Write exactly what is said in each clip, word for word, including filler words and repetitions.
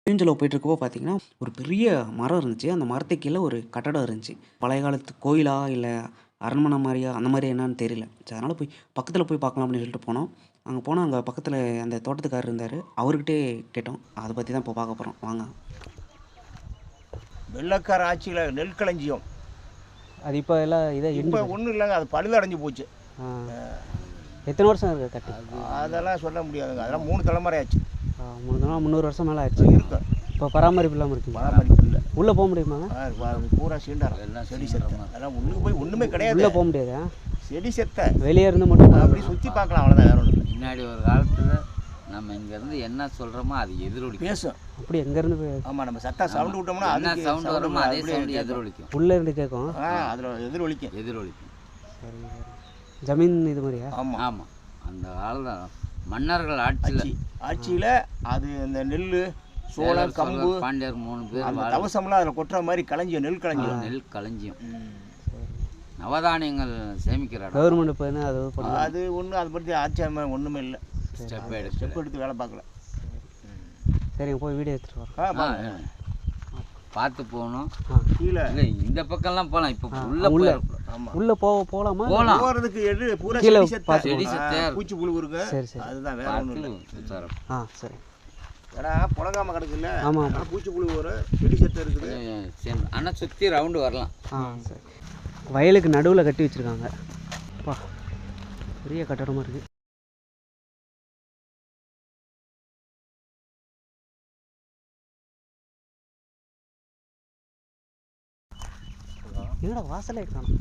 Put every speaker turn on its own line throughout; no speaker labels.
புளியஞ்சோலை போயிட்டுருக்கப்போ பார்த்தீங்கன்னா, ஒரு பெரிய மரம் இருந்துச்சு. அந்த மரத்துக்கு கீழ ஒரு கட்டடம் இருந்துச்சு. பழைய காலத்து கோயிலா? இல்ல அரண்மனை மாரியா? அந்த மாரி என்னான்னு தெரியல. சரி அதனால போய் பக்கத்தில போய் பார்க்கலாம் அப்படின்னு சொல்லிட்டு போனோம். அங்க போனா அங்க பக்கத்தில அந்த தோட்டத்துக்காரர் இருந்தாரு. அவர்கிட்டயே கேட்டோம். அத பத்தி தான் இப்போ பார்க்க போறோம். வாங்க.
வெள்ளைக்கார ஆட்சியில நெல் களஞ்சியம்.
அது இப்போ எல்லாம் இதை
இப்ப
இடிஞ்சு
ஒண்ணும் இல்லங்க. அது பழுதடைஞ்சு போச்சு.
ஆ. எத்தனை வருஷம் இருக்கு கட்டி?
அதெல்லாம் சொல்ல முடியாதுங்க. அதெல்லாம் மூணு தலைமுறை ஆச்சு.
ஆ, முன்னூறு முந்நூறு வருஷம் மேலே ஆச்சு.
இருக்கும்.
இப்போ பராமரிப்பு இல்லாமல் இருக்குங்க.
பராமரிப்பு இல்ல.
உள்ளே போக முடியுமாங்க?
ஆ, வ- பூரா சீண்டாரம். எல்லாம் செடி செத்த. அதெல்லாம் உள்ளுக்கு போய் ஒண்ணுமே கிடையாது.
உள்ளே போக முடியாதா?
செடி செத்த.
வெளியே இருந்து மட்டும்
அப்படி சுத்தி பார்க்கலாம் அவ்வளவுதான், வேற ஒண்ணும் இல்ல.
முன்னாடி ஒரு காலத்தில் நம்ம இங்கேருந்து என்ன சொல்கிறோமோ அது எதிரொலிக்கும்.
பேசும்.
அப்படி எங்கேருந்து போய்
ஆமா, நம்ம சத்தா சவுண்ட் விட்டோம்னா
என்ன
அதுக்கு
சவுண்ட்
sound
வருமோ அதே
அப்படியே
சவுண்ட்
கேட்கும்.
எதிரொலிக்கும்.
உள்ளே இருந்து கேட்கும்.
ஆ, அதுல எதிரொலிக்கும்.
எதிரொலிக்கும்.
சரி சரி. ஜமீன் இது மாதிரியா?
ஆமா.
ஆமாம், அந்த காலத்தில் மன்னர்கள் ஆட்சியில்
ஆட்சி ஆட்சியில அது இந்த நெல்லு, சோளம், கம்பு,
பாண்டியர் மூணு பேர்
அந்த
வாழ-
தவசம்லாம் அதில் கொட்டுற மாதிரி களஞ்சியம், நெல் களஞ்சியம்.
நெல் களஞ்சியம்,
ம்.
நவதானியங்கள் சேமிக்கிற இடம்.
கவர்மெண்ட் இப்போ என்ன அது பண்ண
அது ஒன்றும் அதை பற்றி ஆச்சரியம் ஒன்றுமே இல்லை.
ஸ்டெப்
ஸ்டெப் எடுத்து வேலை பார்க்கல.
சரிங்க, போய் வீடியோ எடுத்துகிட்டு வரோம்.
ஆ, பாருங்க.
பார்த்து போகணும்.
ஆ,
கீழே
இல்லை இந்த பக்கம்லாம் போகலாம். இப்போ
ஆ,
உள்ள
உள்ள.
போய்
ஆமா,
உள்ளே போக போகலாமா?
போகலாம்.
போறதுக்கு எடு பூரா
கீழே
செடி செத்த.
பார்த்து
செடி
ஆ,
செத்தையா இருக்கும்.
பூச்சி புழு இருக்கு.
சரி சரி.
அதுதான், வேற ஒன்றும் இல்லை.
பார்த்து சுத்தாரம்.
ஆ சரி.
ஏன்னா புழங்காம கிடக்குல்ல,
ஆமா, ஆமா.
அதனால பூச்சி புழு வரும், செடி செத்த இருக்குது.
ஆனால் சுற்றி ரவுண்டு வரலாம்.
ஆ சரி. வயலுக்கு நடுவில் கட்டி வச்சுருக்காங்க. அப்பா, பெரிய கட்டடமாக இருக்குது. என்னடா வாசலே காணும்.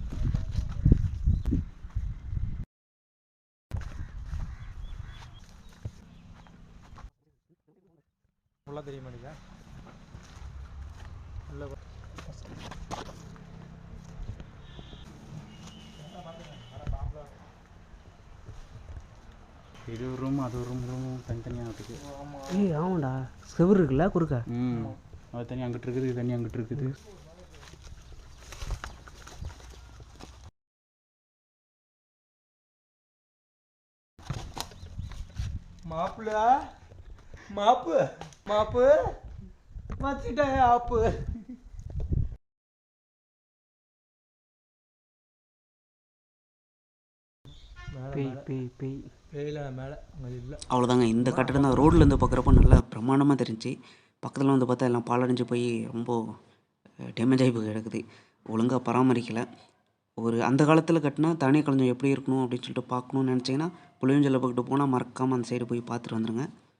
ஃபுல்லாக தெரிய மாட்டேங்குதா? உள்ள இது ஒரு ரூம், அது ஒரு ரூம், ரூம் தனித்தனியாக இருக்குது.
ஏய் ஆமாண்டா, செவுரு இருக்குல்ல குறுக்க.
ம், அது தனி அங்கிட்டு இருக்குது, இது தனி அங்கிட்டு இருக்குது. மாப்பிள்ள, மாப்பு மாப்பு வச்சுட்டேன் ஆப்பு.
பேய் பேய் பேய்
வெயில மேலே அங்கே இல்லை.
அவ்வளோதாங்க. இந்த கட்டடம் தான் ரோட்லேருந்து பார்க்குறப்போ நல்லா பிரமாண்டமா தெரிஞ்சுச்சு. பக்கத்துல வந்து பார்த்தா எல்லாம் பாழடைஞ்சு போய் ரொம்ப டேமேஜ் ஆகி போய் கிடக்குது. ஒழுங்கா பராமரிக்கல. ஒரு அந்த காலத்துல கட்டுனா தானிய களஞ்சியம் எப்படி இருக்கணும் அப்படின்னு சொல்லிட்டு பார்க்கணும்னு நினச்சிங்கன்னா, புளியஞ்சோலை பக்கத்து போனா மறக்காம அந்த சைடு போய் பார்த்துட்டு வந்துருங்க.